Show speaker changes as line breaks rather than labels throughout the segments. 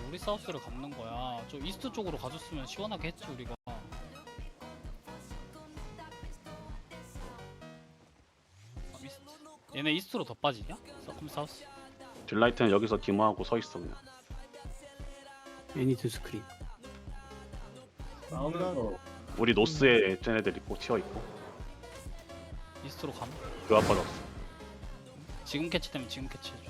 우리 사우스를 감는 거야. 저 이스트 쪽으로 가줬으면 시원하게 했지 우리가. 이스트. 얘네 이스트로 더 빠지냐? 서컴 사우스.
딜라이트는 여기서 디모하고 서 있어 그냥.
애니드 스크린.
싸우면서
우리 노스에 쟤네들 있고 튀어 있고.
이스트로 감.
그 아빠 없어.
지금 캐치 되면 지금 캐치 해줘.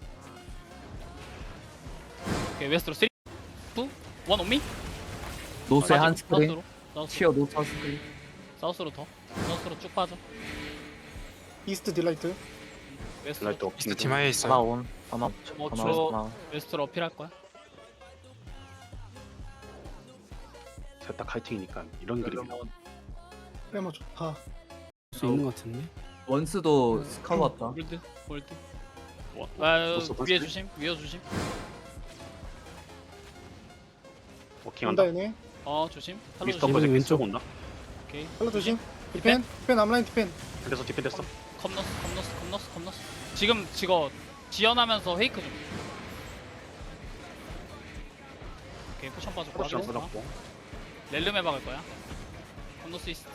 오케이 웨스트로 3, 2, 1 온미.
노스에 한 스크린.
사우스로. 사우스.
치어 노스 한 스크린.
사우스로 더. 사우스로 쭉 빠져.
이스트 딜라이트.
웨스트로.
딜라이트 워킹.
이스트 팀하에 있어요.
하나온. 하나.
뭐
하나.
주로
하나.
웨스트로 어필할 거야.
셋다 카이팅이니까 이런 그림이야.
빼면 좋다.
수 있는 것 같은데.
원스도 스카우 왔다.
홀드. 홀드.
와,
아
노스
위에
버스?
조심. 위에 조심.
워킹한다.
온다 얘네.
조심. 탈로
미스터
조심.
버즈
왼쪽.
왼쪽 온다.
오케이.
헬로 조심. 디펜. 디펜 암라인 디펜.
그래서 디펜됐어.
컴너스. 지금 지거 지연하면서 페이크 좀. 오케이 포션 빠졌고.
포션
하겠어.
빠졌고.
렐름에 박을 거야. 컴너스 이스트.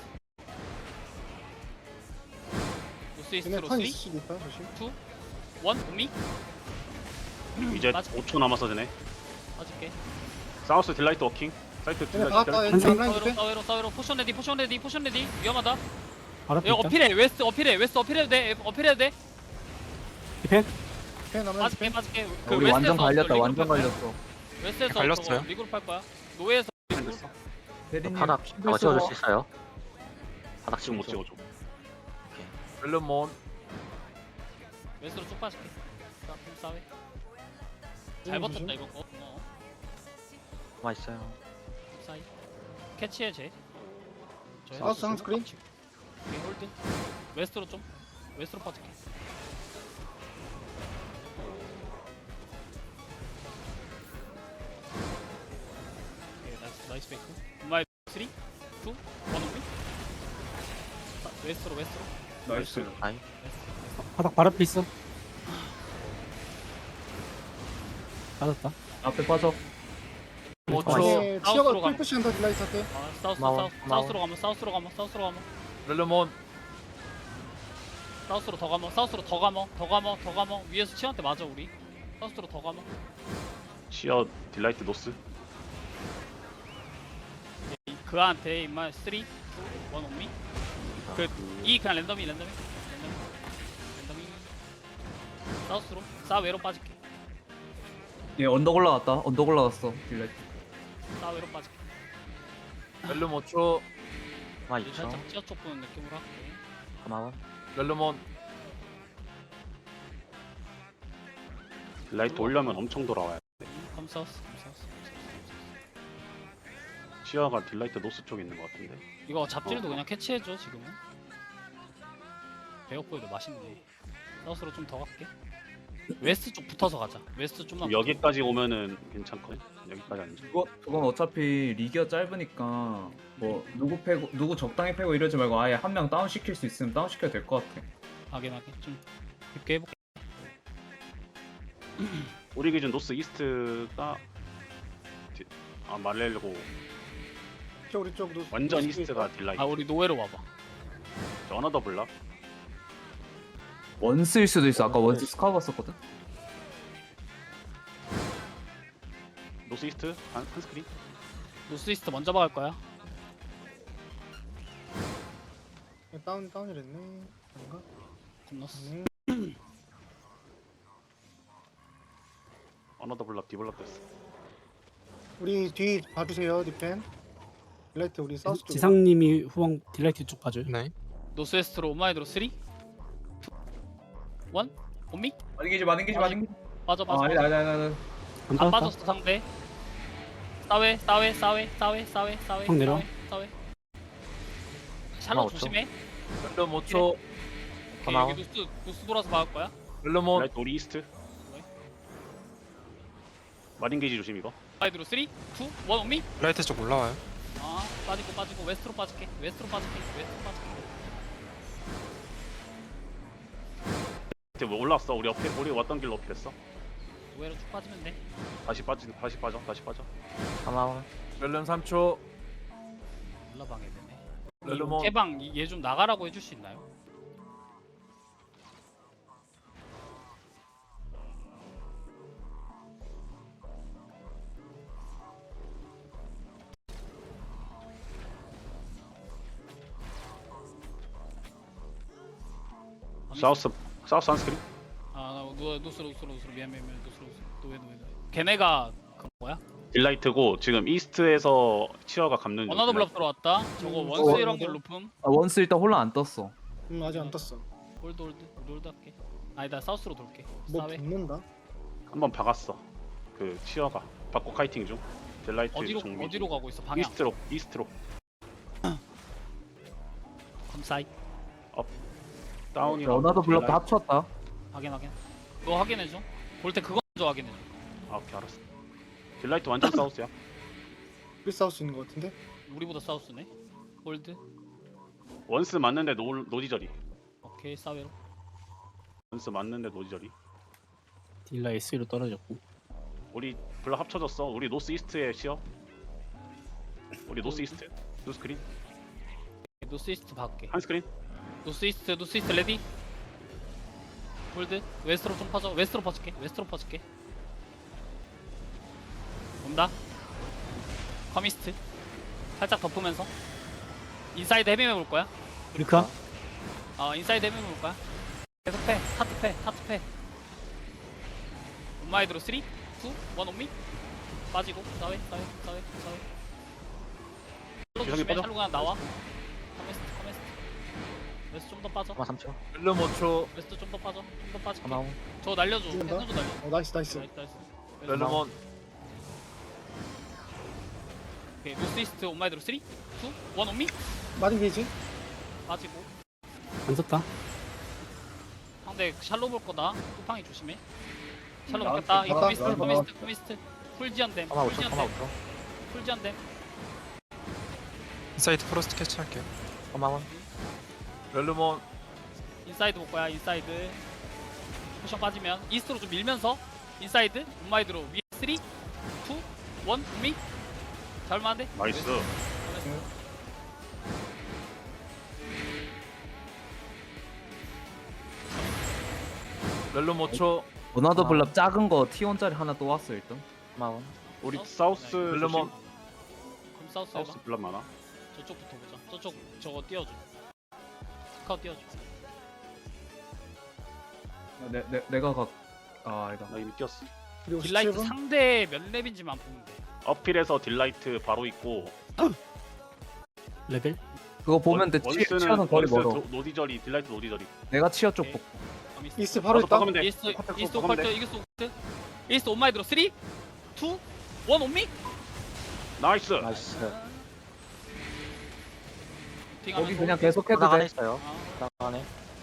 노스
얘네
이스트로
턴
3,
있을 수도 있다. 조심.
2, 1 오미.
이제
맞아.
5초 남았어 쟤네.
빠질게.
사우스 딜라이트 워킹. 사이트
얘네
딜라이트.
박았다.
딜라이트.
얘네 암라인 디펜.
사웨로 포션 레디 위험하다.
바로
이거
앞에 있다.
어필해 웨스트 어필해도 돼.
디펜.
디펜 암라인 디펜.
빠질게.
우리 완전
웨스트에서
갈렸다.
리그룹
완전
할 거야.
갈렸어.
웨스트에서
갈렸어요?
저거 리그룹 할 거야. 노예에서
디펜됐어.
대리님.
바닥 저거 찍어줄 수 있어요? 바닥
지금 못
찍어줘.
찍어줘.
렐름몬.
웨스트로 쭉 빠질게. 싸웨. 잘
조심.
버텼다 이거.
가만 있어요.
사이. 캐치해 쟤.
사우스 한 스크린.
오케이, 홀드. 웨스트로 빠질게. 오케이, 나이스 베이크. 엄마의 3, 2, 1 오미. 웨스트로.
나이스.
아이
바닥 바로 앞에 있어. 빠졌다.
앞에 빠져.
5초.
얘네
사우스로
치어가
가면.
풀푸시 한다 딜라이트 때.
고마워.
사우스로 가면. 사우스로
렐름몬.
더 가면. 위에서 치한테 맞아 우리. 사우스로 더 가면.
치어 딜라이트 노스.
그한테 임마 3, 2, 1 온미. 이 그냥 랜덤이. 사우스로. 사웨로 빠질게.
얘 언덕 올라갔다. 언덕 올라갔어. 딜라이트.
사웨로 빠질게.
렐름 5초.
가만
이제
있죠.
살짝 치어 쪽 보는 느낌으로 할게.
고마워.
렐름몬.
딜라이트 오려면 엄청 돌아와야 돼.
컴사우스.
치어가 딜라이트 노스 쪽에 있는 것 같은데.
이거 잡질도 그냥 캐치해줘 지금은. 배역보이도 맛있네. 사우스로 좀 더 갈게. 웨스트 쪽 붙어서 가자. 웨스트 좀만.
여기까지 오면은 괜찮거든. 여기까지 아니지.
그건 어차피 리기가 짧으니까 뭐 누구 적당히 패고 이러지 말고 아예 한 명 다운 시킬 수 있으면 다운 시켜도 될 것 같아.
하게 좀 깊게 해볼게.
우리 기준 노스 이스트가 말레고
저 우리 쪽도.
완전 이스트가 딜라이트.
우리 노예로 와봐.
저 어나더 블락.
원스일 수도 있어. 아까 원스 스카우 봤었거든.
노스 이스트 한 스크린.
노스 이스트 먼저 박을 거야.
다운이랬네. 아닌가?
겁났어.
어나더 블락 디블락 됐어.
우리 뒤 봐주세요 디펜. 딜라이트 우리 사우스 쪽.
지상님이 후방 딜라이트 쪽 봐줘요.
네.
노스 웨스트로 오마이드로 3, 2, 1 온미.
마딩기지.
빠져.
아니다.
안
안
빠졌다.
빠졌어 상대. 사웨.
확 내려.
사웨. 샬롯
고마워,
조심해.
렐름 5초.
오케이,
고마워.
여기 노스 돌아서 박을 거야.
렐름몬.
딜라이트 우리 이스트. 마린 게이지 조심 이거.
오마이드로 3, 2, 1 온미.
라이트 쪽 올라와요.
빠지고 웨스트로 빠질게.
이제 뭐 올라왔어. 우리 왔던 길로 어필했어.
노예로 쭉 빠지면 돼.
다시 빠져.
가마원.
렐름 3초.
올라방해 되네.
렐름온.
개방 얘 좀 나가라고 해줄 수 있나요?
사우스 한스크린.
아, 노스로 미안 노스로 노예. 걔네가 그 뭐야?
딜라이트고 지금 이스트에서 치어가 감는 중.
어나더 블럭 들어왔다. 저거 원스 이런글 높음.
아, 원스 일단 혼란 안 떴어.
아직 안 떴어.
홀드 할게. 아니다 사우스로 돌게.
뭐
사웨.
붙는다.
한번 박았어. 그 치어가 받고 카이팅 중. 딜라이트 정비.
어디로 가고 있어? 방향.
이스트로.
컴사이.
다운이랑.
어나더 블럭도
딜라이트.
합쳤다.
확인. 너 확인해 줘. 볼 때 그거 먼저 확인해 줘.
아, 오케이 알았어. 딜라이트 완전 사우스야.
우리 싸울 수 있는 것 같은데.
우리보다 사우스네. 홀드.
원스 맞는데 노디저리.
오케이 사웨로.
원스 맞는데 노디저리.
딜라 S로 떨어졌고.
우리 블럭 합쳐졌어. 우리 노스 이스트에 치어. 우리 노스 이스트. 노스크린.
노스 이스트 밖에.
한스크린.
노스 이스트 레디. 홀드. 웨스트로 좀 퍼져. 웨스트로 퍼질게. 온다. 커미스트. 살짝 덮으면서. 인사이드 헤비메 볼 거야.
우리카
인사이드 헤비메 볼 거야. 계속 패. 타트 패. 온마이드로 3, 2, 1 온미. 빠지고. 사웨.
기상이 빠져.
샬로 그냥 나와. 커미스트. 웨스트 좀 더 빠져.
가마 3초.
렐름 5초.
웨스트 좀 더 빠져. 빠질게.
가마원.
저 날려줘.
찍는다?
에너지 날려.
나이스.
나이스.
렐름온.
오케이. 노스 이스트 온마이드로 3, 2, 1 온미.
마린 게이지.
빠지고.
안 썼다.
상대 샬로 볼 거다. 쿠팡이 조심해. 샬로
나왔어.
먹겠다. 이
나왔다.
커미스트. 풀지한댐.
가마 5초. 가마 5초.
풀지한댐.
인사이드 프로스트 캐치할게요.
가마원.
렐름온.
인사이드 볼 거야. 인사이드. 포션 빠지면 이스트로 좀 밀면서 인사이드 온마이드로 위에 3, 2, 1 온미. 잘만한데?
나이스.
렐름 5초.
어나더 블럭 작은 거 T1짜리 하나 또 왔어 일단.
가마원.
우리 사우스
렐름온.
그럼 사우스 해봐.
사우스 블럭 많아.
저쪽부터 보자. 저쪽 저거 띄워줘. 스카우트 띄워줘.
내가 아니다.
나 이미 뛰었어.
그리고
딜라이트
17분.
상대 몇 렙인지만 보면 돼.
어필에서 딜라이트 바로 있고.
레벨
그거 보면 돼. 치어는 거리 멀어.
노디저리 딜라이트 노디저리.
내가 치어 쪽 볼게.
커미스트.
이스트 바로 있다.
박으면 돼.
이스트
컷
이스트
박으면
오컬트
돼.
이스트 온마이드로 3, 2, 1 온미.
나이스.
나이스.
거기 그냥 계속해도
바닥 안에
돼.
있어요.
어,
바닥 안에.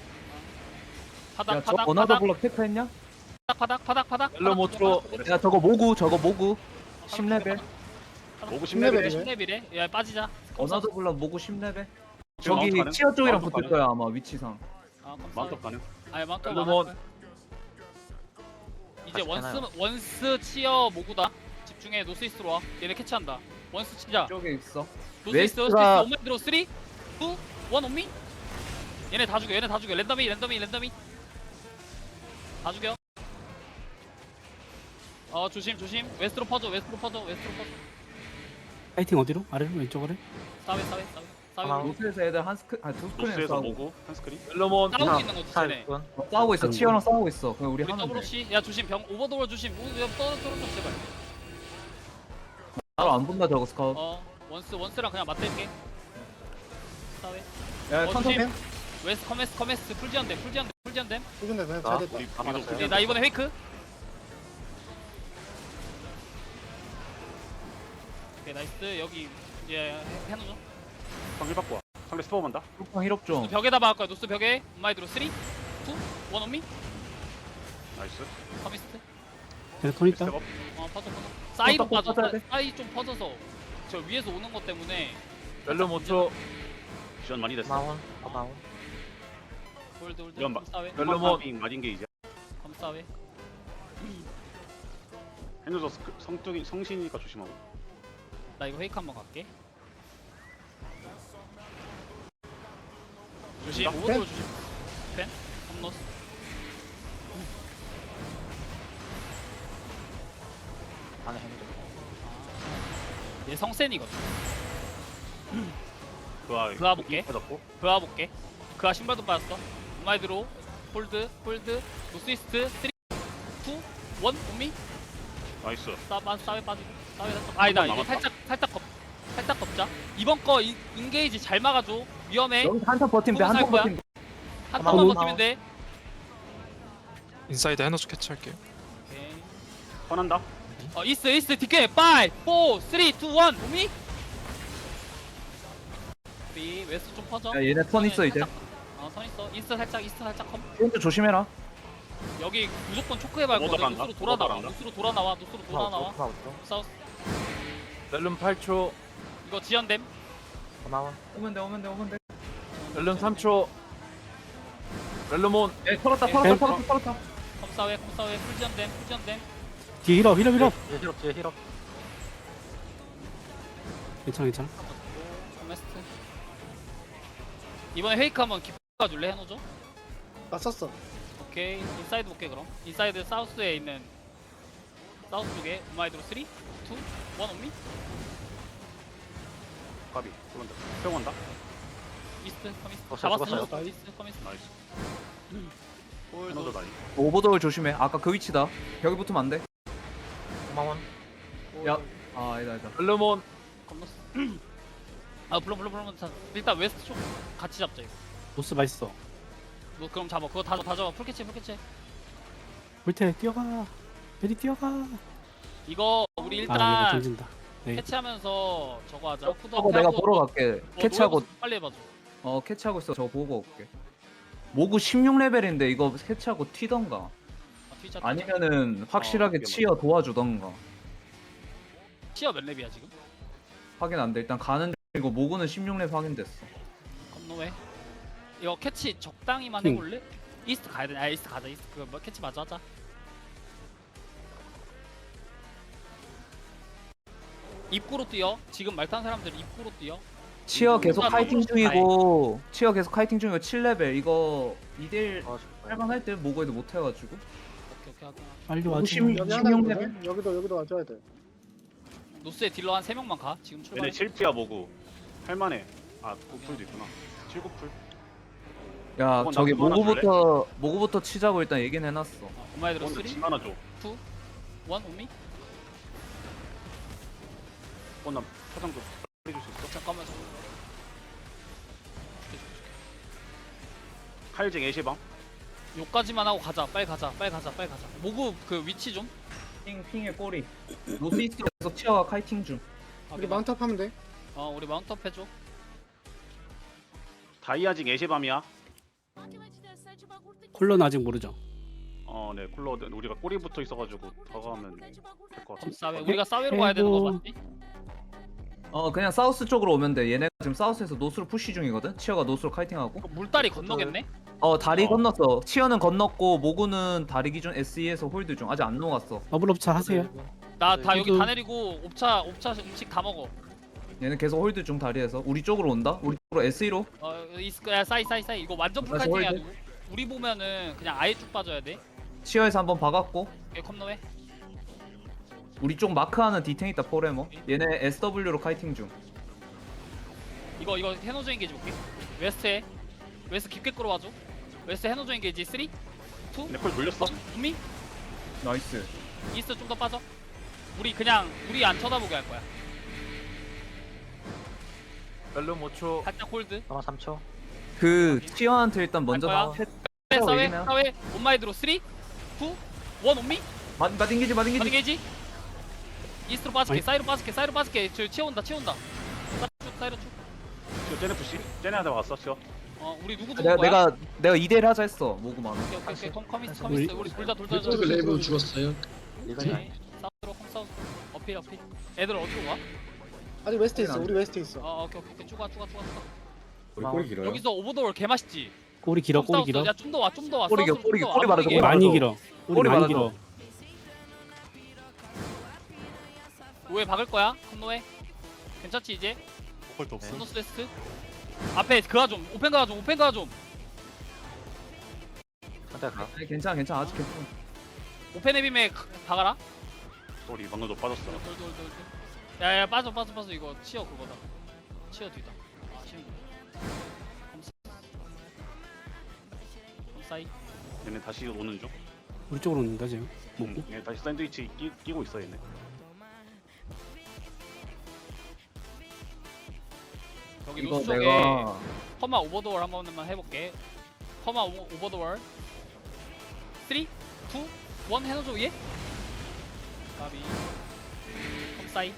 바닥
야저
바닥
어나더
바닥
블럭 체크했냐?
바닥.
렐름 5초.
야 저거 모구 10레벨.
오구
10레벨.
10레벨.
10레벨에 야 빠지자.
어나더 블럭 모구 10레벨.
지금
저기
마운트 가능?
치어 쪽이랑
마운트
붙을
가능?
거야 아마 위치상.
마운트 가능.
마운트
렐름온.
이제
다시
원스 치어 모구다. 집중해. 노스 이스트로 와. 얘네 캐치한다. 원스 치자.
쪽에 있어.
노스 이스트
웨스트가-
온마이드로 3, 2, 1 온미. 얘네 다 죽여. 랜덤이 다 죽여. 조심. 웨스트로 퍼져.
파이팅 어디로? 아래로 왼쪽으로?
사웨.
가마.
노스에서 애들 두 스크린
노스에서
싸우고
모구 한스크린.
렐름온.
싸우고 있는 거지 쟤네.
싸우고 있어. 치어랑 싸우고 있어. 그냥 우리
우리
하면
더블
돼.
씨. 야 조심. 병 오버도어 조심. 떨어져 제발.
바로 안 본다 저거 스카우트.
원스랑 그냥 맞댈게. 사웨.
야
조심.
천천히.
웨스트 커메스 풀지한댐.
해준다. 그냥
나?
잘 됐다.
우리
알았어요.
네, 나 이번에 페이크. 오케이 나이스. 여기 이제 해놓죠.
상일 받고 와. 상대 스포 만다.
뚜껑 힐업 좀.
벽에다 박을 거야. 노스 벽에. 온마이드로 3, 2, 1 온미.
나이스.
커미스트.
걔네 톤 있다.
스텝업.
퍼져. 사이로
또
빠져.
퍼져야 돼?
사이 좀 퍼져서 저 위에서 오는 것 때문에.
렐름 5초.
지원 많이 됐어.
가마원.
홀드.
이건
사웨.
렐름온.
마딘 게이지.
검사웨.
해노저 성뚱이 성신이니까 조심하고.
나 이거 페이크 한번 갈게. 조심.
펜?
오버돌 조심. 펜. 홈노스.
안에 해놓죠.
얘 성센이거든.
그아
볼게.
빠졌고.
그아 볼게. 그아 신발도 빠졌어. 마이드로 홀드 노스이스트 3 2 1 온미.
나이스.
싸웨 빠지고 싸웨 아니다 이거
남았다.
살짝 걷자. 이번 거 인게이지 잘 막아줘. 위험해.
여기서 한턴 버티면 돼.
포커스 할
한턴
거야?
버티면 돼.
한
가만,
번만
가만.
버티면 돼.
인사이드 해노스 캐치할게요.
오케이.
턴한다.
이스트 디케 5 4 3 2 1 오미. 우리 웨스트 좀 퍼져.
야 얘네 턴 있어 이제.
선 있어. 이스트 살짝 컴.
프론트 조심해라.
여기 무조건 초크해 밟고
오더 간다?
노스로 돌아 나와.
오더 간다?
노스로 돌아 나와.
가마우토.
사우스.
렐름 8초.
이거 지연됨.
가마원.
오면 돼.
렐름 3초. 렐름온.
예, 털었다.
컴사웨 풀 지연됨.
뒤에 힐업.
뒤에 힐업.
괜찮아.
커메스트. 이번에 페이크 한번 기가 줄래 해놓죠?
나 썼어.
오케이 인사이드 볼게 그럼. 인사이드 사우스에 있는 사우스 쪽에 우마이드로 3 2 1 온미.
까비. 그런다. 세워간다.
이스트 커미스트
죽었어요,
잡았어.
죽었어요.
이스트 커미스트
나이스.
홀드.
해노저 나이.
오버돌 조심해. 아까 그 위치다. 벽에 붙으면 안 돼.
가마원.
야. 아 아니다.
렐름온.
건너스. 아 불러. 일단 웨스트 쪽 같이 잡자 이거.
노스 맛있어.
너 그럼 잡아. 그거 다 잡아. 풀캐치.
물태 뛰어가. 베리 뛰어가.
이거 우리
아 이거
일단
던진다. 네.
캐치하면서 저거 하자.
저거 내가 보러 갈게. 캐치하고
빨리 해봐줘.
캐치하고 있어. 저거 보고 올게. 모구 16레벨인데 이거 캐치하고 튀던가.
트위치
아니면은 확실하게 치어 도와주던가.
치어 몇 렙이야 지금?
확인 안 돼. 일단 가는 이거 모구는 16레벨 확인됐어.
건너해. 이거 캐치 적당히만
응.
해볼래? 이스트 가야 되냐? 이스트 가자. 이스트 그거 뭐 캐치 마저 하자. 입구로 뛰어. 지금 말 탄 사람들 입구로 뛰어.
치어 계속
누가
카이팅
너무
중이고 7레벨 이거 2대1
도와줄 거야.
할만할 때 모구에도 못 해가지고
오케이 하자.
빨리 와줘.
50.
여기 하나
16
있거든. 여기도 와줘야 돼.
노스에 딜러 한 3명만 가. 지금 출발.
얘네 7피야 뭐고. 할만해. 아 9풀도 있구나. 7구풀.
야
나
저기
그거 하나
모구부터 치자고 일단 얘기는 해놨어.
오마이드로 3 2
오늘
1
징 하나 줘.
온미.
나 포장 좀 빨리 줄 수 있어?
잠깐만.
칼쟁 애시방.
요까지만 하고 가자. 빨리 가자. 모구 그 위치 좀.
핑의 꼬리. 노스이스트 계속 치어가 카이팅 중.
우리 마운트업 하면 돼.
우리 마운트업 해줘.
다이아징 애시밤이야.
콜러는 아직 모르죠.
네 쿨러 우리가 꼬리 붙어 있어가지고 다가가면 될 것 같아.
싸웨. 우리가 싸웨로 가야 되는 거 맞지?
그냥 사우스 쪽으로 오면 돼. 얘네가 지금 사우스에서 노스로 푸시 중이거든. 치어가 노스로 카이팅하고.
그 물다리 건너겠네?
다리
어.
건넜어. 치어는 건넜고 모구는 다리 기준 SE에서 홀드 중. 아직 안 녹았어.
더블업차 하세요.
나 다 여기
저도-
다 내리고 옵차 음식 다 먹어.
얘는 계속 홀드 중 다리에서. 우리 쪽으로 온다. 우리 쪽으로 SE로.
야 싸이 이거 완전
다시
풀카이팅이야.
홀드.
우리 보면은 그냥 아예 쭉 빠져야 돼.
치어에서 한번 박았고.
오케이 컴노해.
우리 쪽 마크하는 디탱 있다 포레머. 얘네 SW로 카이팅 중.
이거 해노조 인게이지 볼게. 웨스트 깊게 끌어와줘. 웨스트 해노조 인게이지 3 2
근데 콜 돌렸어?
준비.
나이스.
이스트 좀 더 빠져. 우리 안 쳐다보게 할 거야.
렐름 5초.
살짝 홀드.
가마 3초.
그 치어한테 일단 먼저
거야? 싸웨 온마이드로 3 2 1 온미.
마딩기지
마딩게이지. 이스트로 빠질게.
어이.
사이로 빠질게. 저 치어온다. 사이로 쭉.
쟤네 푸시. 쟤네 하다 왔어. 치어.
우리 누구 죽은 거야?
내가 2대1 하자 했어. 모구 많아.
오케이. 커미스트.
우리-
우리 돌자.
레이븐 죽었어요.
오케이. 사우스로 컴사우스. 어필. 애들 어디로 가?
아직 웨스트 있어. 우리 웨스트 있어.
오케이. 쭉 가.
우리 꼬리 길어요.
여기서 오버돌 개 맛있지.
꼬리 길어.
야, 좀 더 와.
꼬리
사우스로
꼬리
좀 더 와.
꼬리 말아줘.
꼬리
많이
말아줘.
길어.
꼬리
많이
말아줘.
길어.
노에 박을 거야. 컴노에. 괜찮지 이제?
오컬트 없어.
스노스 웨스트. 앞에 그가 좀. 오펜 그가 좀. 오펜 그가 좀.
한대 가.
아니, 괜찮아 아직 괜찮아.
오펜 에빔에 박아라.
우리 방금도 빠졌어.
돌. 야야 빠져 이거 치어 그거다. 치어 뒤다. 치는 거. 컴사이.
얘네 다시 오는 중.
우리 쪽으로 온다 지금. 먹고.
얘네 다시 샌드위치 끼고 있어 얘네.
여기
이거
노스 쪽에
내가
퍼마 오버더월 한 번만 해볼게. 퍼마 오버더월 3, 2, 1 해놓죠 위에? 까비 컴사이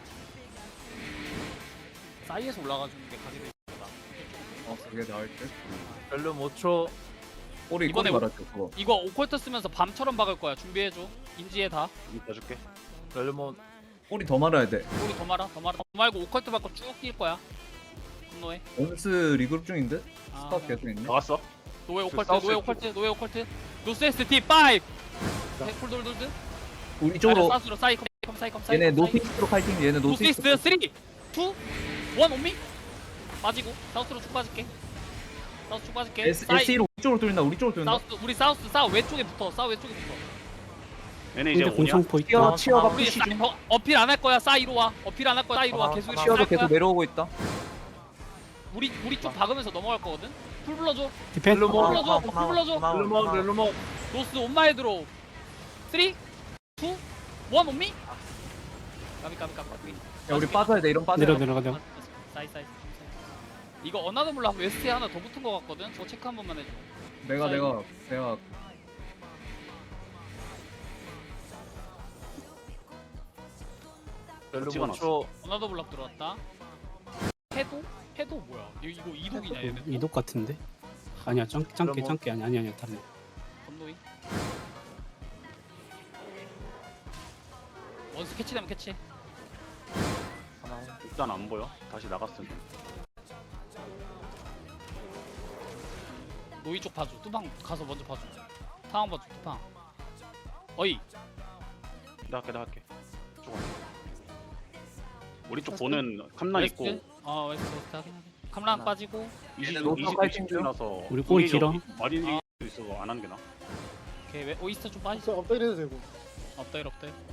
사이에서 올라가주는 게 각이 되겠다.
그게 나을 듯.
렐름 5초.
꼬리
이번에
말았죠 그거.
이거 오컬트 쓰면서 밤처럼 박을 거야. 준비해줘. 인지해 다.
봐줄게.
렐름온.
꼬리 더 말아야 돼.
우리 더 말고 오컬트 받고 쭉 뛸 거야. 분노해.
원스 리그룹 중인데?
아,
스탑 계속 있네.
나갔어.
노예 오컬트,
사우스
노예 오컬트. 노스 ST 5. 콜돌돌드.
우리 쪽으로
사우스로 사이 컴사이.
얘네 노스이스트로 칼팀. 얘네
노스
노스이스트.
이스트 3, 2, 1 온미. 빠지고 사우스로 쭉 빠질게. 사우스 쭉 빠질게.
SE로 우리 쪽으로 뚫린다. 우리 쪽으로 뚫린다.
사우스 우리 사우스 왼쪽에 붙어. 왼쪽에 붙어.
얘네 이제
근데
오냐?
공성포 있다.
치어가
우리
푸시 중.
어필 안 할 거야. 사이로 와. 어필 안 할 거야. 사이로 와. 계속 이렇게
치어도
할 거야.
계속 내려오고 있다.
우리 쪽 박으면서 넘어갈 거거든. 풀 불러줘.
디펜.
렐름온.
불러줘. 노스 온마헤드로 3, 2, 1 온미. 까비.
야 우리 빠져야 돼. 이런 빠져야 돼.
내려가.
사이. 이거 어나더 몰라 웨스트에 하나 더 붙은 거 같거든. 저거 체크 한 번만 해줘.
내가
렐름
찍어놨어.
5초.
어나더 블락 들어왔다. 해도 뭐야? 이거 이독이냐 얘네?
이독 같은데? 아니야 짱깨 아니야 다른.
건노이. 원스 캐치되면 캐치.
일단 안 보여. 다시 나갔어.
노이 쪽 봐줘. 뚜방 가서 먼저 봐줘. 타왕 봐줘. 뚜방. 어이.
나 할게. 우리 쪽 보는 캄란 있고
웨스트 하긴 하긴. 캄랑 빠지고.
얘네 노스 칼팅 중.
나서
우리 꼬리 길어.
마린 있어 안 하는 게 나.
오케이 오이스터 좀 빠지자.
업데이트 해도 되고.
업데일.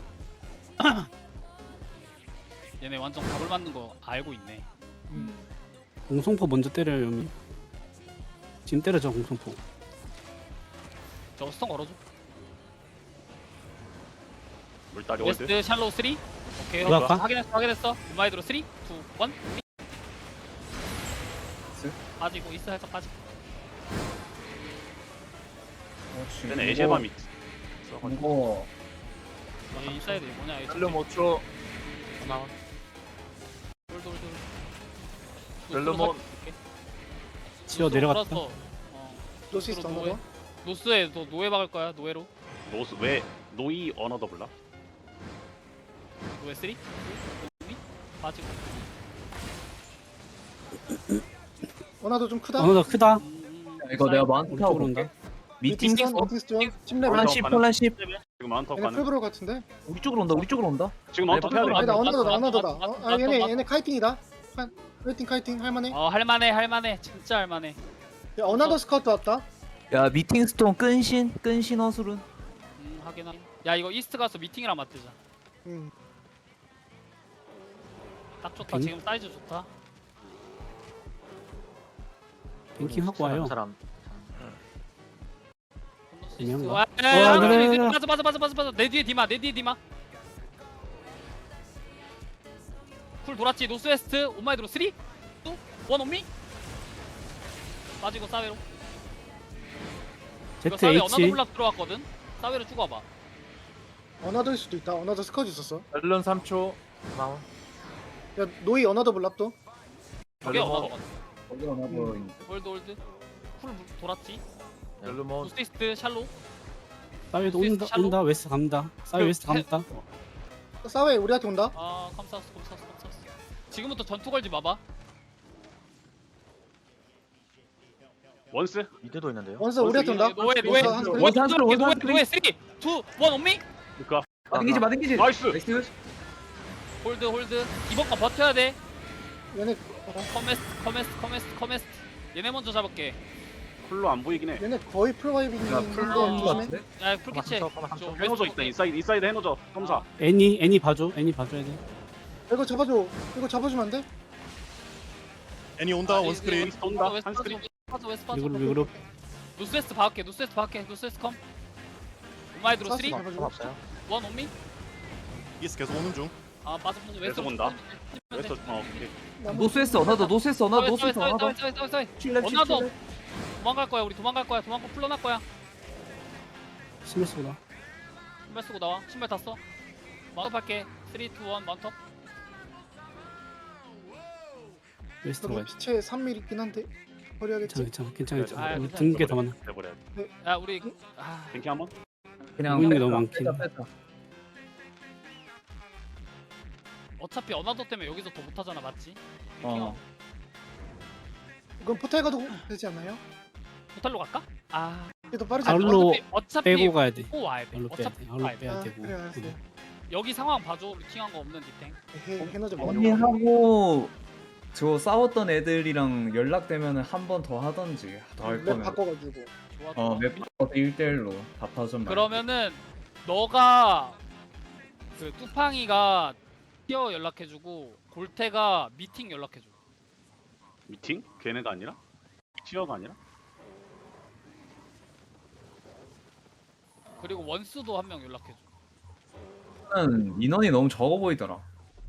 얘네 완전 답을 맞는 거 알고 있네.
공성포 먼저 때려요 여미. 지금 때려줘 공성포.
저거 스턴 걸어줘.
물다리 월드.
웨스트 샬로우 3. 오케이
들어갈까?
확인했어. 온마이드로 3, 2, 1 빠지고 이스트 살짝 빠지고.
얘네 에제밤 있어.
이거
얘 인사이드 뭐냐 얘
렐름 5초.
돌
렐름온.
치어 내려갔다.
노시스트 어나더.
노스에 또 노예 박을 거야. 노예로.
노스 왜 노이 어너더 블라?
노예 3, 2, 1 빠지고.
어나더 좀 크다.
어너 크다.
이거 내가 마운트
우리
타고
쪽으로
볼게.
온다.
미팅
미팅스턴 어디스죠? 10레벨.
폴란 10 폴란 10.
지금 마운터
얘네
가는.
풀브로 같은데?
우리 쪽으로 온다.
지금 마운터
네,
해야 돼.
맞아.
아니다 어나더다
맞다,
어나더다.
맞다,
아
맞다,
얘네
맞다.
카이팅이다. 카이팅 할만해.
할만해. 진짜 할만해.
야 어나더 스카우트 왔다.
야 미팅스톤 끈신 허술은.
하긴. 야 이거 이스트 가서 미팅이랑 맞대자. 딱 좋다. 지금 사이즈 좋다.
뱅킹 하고 와요.
사람.
그냥
와,
그래.
맞아. 내 뒤에 디마. 쿨 돌았지. 노스웨스트 온마이드로 3, 2, 1 온미. 빠지고 사웨로. 이거 사웨 어나더
ZH.
블락 들어왔거든. 사웨로 쭉 와봐.
어나더일 수도 있다. 어나더 스카우트 있었어.
렐름 3초.
고마워.
야 노이 어나더 블랍도.
저게
렐름온.
어나더.
거기 하나 더
월드. 쿨 돌았지.
렐름온.
노스이스트 샬로.
사이드
스위스 샬로?
온다 웨스트 갑니다. 사이드 웨스트 갑니다.
사웨 우리한테 온다.
컴사우스. 지금부터 전투 걸지 마봐.
원스?
미드도 있는데요.
원서 우리한테 온다.
노예.
원서 한 스크린.
원스 한 스크린,
노예 3, 2, 1 온미.
그니까
마딩기지.
나이스.
홀드. 이번 거 버텨야 돼.
얘네
커메스트. 얘네 먼저 잡을게.
쿨로 안 보이긴 해.
얘네 거의 풀바이빙인데
야 풀로
조심해.
같은데?
야 풀캐치.
해노저 있다. 인사이드 해노저. 점사.
애니 봐줘야 돼.
이거 잡아줘. 이거 잡아주면 안 돼?
애니 온다 원스크린.
웨스트 온다. 한스크린.
웨스트
리그룹
노스웨스트 박을게. 노스웨스트 컴. 오마이드로 3 1
사스 잡아줘.
없어요.
온미.
이스 계속 오는 중.
아 빠져
계속 온다. 웨스트 오케이.
노스웨스트 어나더 노스웨스트 어나더 노스웨스트 어나더
어나더 도망갈 거야. 우리 도망갈 거야. 도망고 풀러날 거야.
신경 쓰고 나.
신발 쓰고 나와. 신발 다 써. 마운트 할게. 3, 2, 1 마운트.
웨스트
저기
가야 돼.
피체 3mm 있긴 한데 버려야겠지.
괜찮아.
아,
우리 든 게 더 많아.
해버려.
야 우리 아
뱅킹 한번.
그냥
보이는 게 너무 많긴 해.
빼자.
어차피 어나더 때문에 여기서 더 못하잖아. 맞지?
어.
이건 포탈 가도 되지 않나요?
호텔로 갈까? 아
이게 더 빠르지
아울러
않나?
어차피
빼고 가야 돼.
빼고 와야 돼.
아울러 빼야 돼.
어차피
아울러
와야 돼.
빼야
아,
되고.
그래 알았어요.
여기 상황 봐줘. 루팅한 거 없는 디탱.
해노저
언니 하고 저 싸웠던 애들이랑 연락되면은 한 번 더 하던지 더 할
맵
거면
바꿔가지고.
좋아.
어맵 1대1로 답하전
그러면은 너가 그 뚜팡이가 티어 연락해주고 골태가 미팅 연락해줘.
미팅? 걔네가 아니라? 티어가 아니라?
그리고 원수도 한 명 연락해줘.
인원이 너무 적어 보이더라.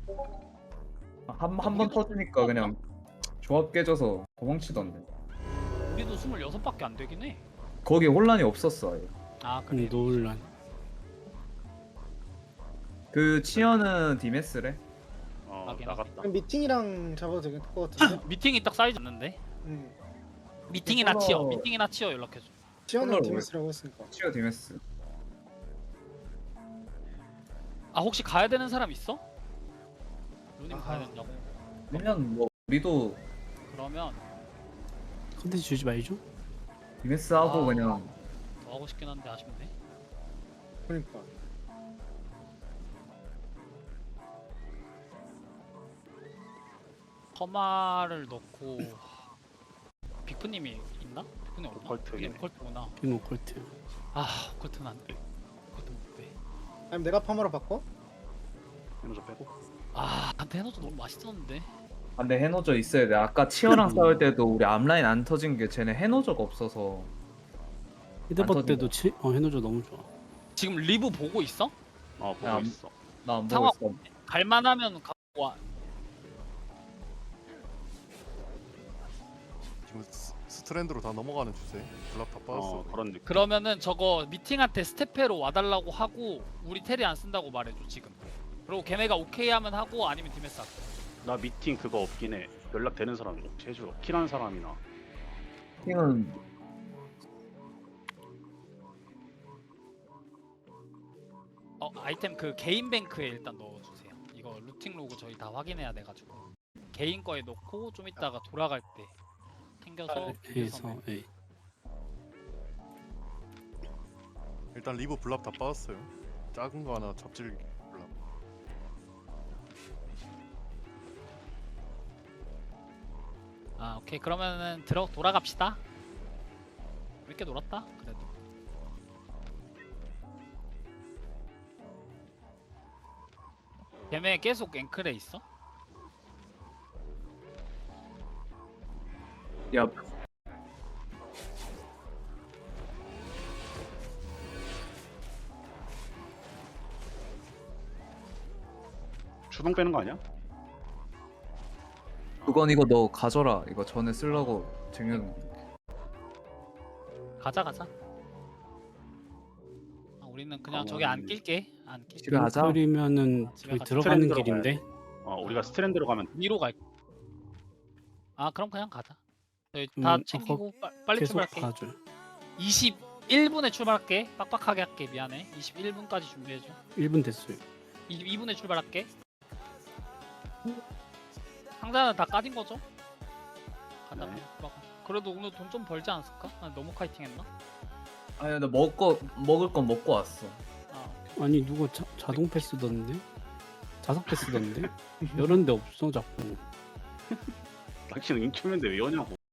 한 번 터지니까 그냥 조합 깨져서 도망치던데.
우리도 26밖에 안 되긴 해.
거기 혼란이 없었어. 아예.
아 그래.
노을란.
그 치어는 디메스래.
하긴
나갔다.
그럼 미팅이랑 잡아도 될 것 같은데.
미팅이 딱 사이즈 맞는데? 미팅이나 치어 연락해줘.
지원은
콜라로
디미스라고 했으니까.
치어 디메스.
아 혹시 가야 되는 사람 있어? 루님
아하.
가야 된다고.
그러면 뭐 우리도
그러면
컨텐츠 주지 말죠.
디메스 하고
아.
그냥
더 하고 싶긴 한데 아쉽네.
그러니까.
커마를 넣고 빅프님이 있나? 빅프님 없나?
오컬트긴 해.
오컬트구나.
빙오 콜트.
아 오컬트는 안 돼. 오컬트 못 돼.
아니면 내가 파마로 바꿔?
해노저 빼고.
아 한테 해놓도 너무 맛있었는데.
아, 근데 해노저 있어야 돼. 아까 치어랑 싸울 때도 우리 앞라인 안 터진 게 쟤네 해노저가 없어서.
히드버
안
때도 해노저 너무 좋아.
지금 리브 보고 있어?
보고
야,
있어.
나 안 보고
상황-
있어.
갈만하면 갖고 와.
지금 스트랜드로 다 넘어가는 추세. 블랍 다 빠졌어.
그런 느낌.
그러면은 저거 미팅한테 스테페로 와달라고 하고 우리 테리 안 쓴다고 말해줘 지금. 그리고 걔네가 오케이 하면 하고 아니면 디메스 할게.
나 미팅 그거 없긴 해. 연락되는 사람이 혹시 해줘. 킬하는 사람이나.
팀은
아이템 그 개인 뱅크에 일단 넣어주세요. 이거 루팅 로그 저희 다 확인해야 돼가지고 개인 거에 넣고 좀 이따가 돌아갈 때 챙겨서
해서 예.
일단 리브 블랍 다 빠졌어요. 작은 거 하나 잡질 블랍.
아 오케이 그러면은 돌아갑시다. 재밌게 놀았다 그래도. 걔네 계속 앵클에 있어?
야
주동 빼는 거 아니야?
그건 이거 너 가져라. 이거 전에 쓰려고 쟁여놓은 거.
가자. 우리는 그냥 저기 안 낄게. 안 낄게.
집에 가자.
빙클이면은
집에
저희
가자.
들어가는
트렌드로
길인데.
우리가 스트랜드로 가면
위로 갈. 아 그럼 그냥 가자. 저희 다 챙기고 빨리
계속
출발할게.
가줘.
21분에 출발할게. 빡빡하게 할게. 미안해. 21분까지 준비해줘.
1분 됐어요.
22분에 출발할게. 상자는 다 까진 거죠? 간다.
네.
그래도 오늘 돈 좀 벌지 않았을까? 나 너무 카이팅했나?
아니 나 먹을 건 먹고 왔어.
아,
아니 누가 자동 패스 넣었는데? 5개 쓰던데? 이런 데 없어 자꾸.
당신은 인큐맨데 왜 오냐고.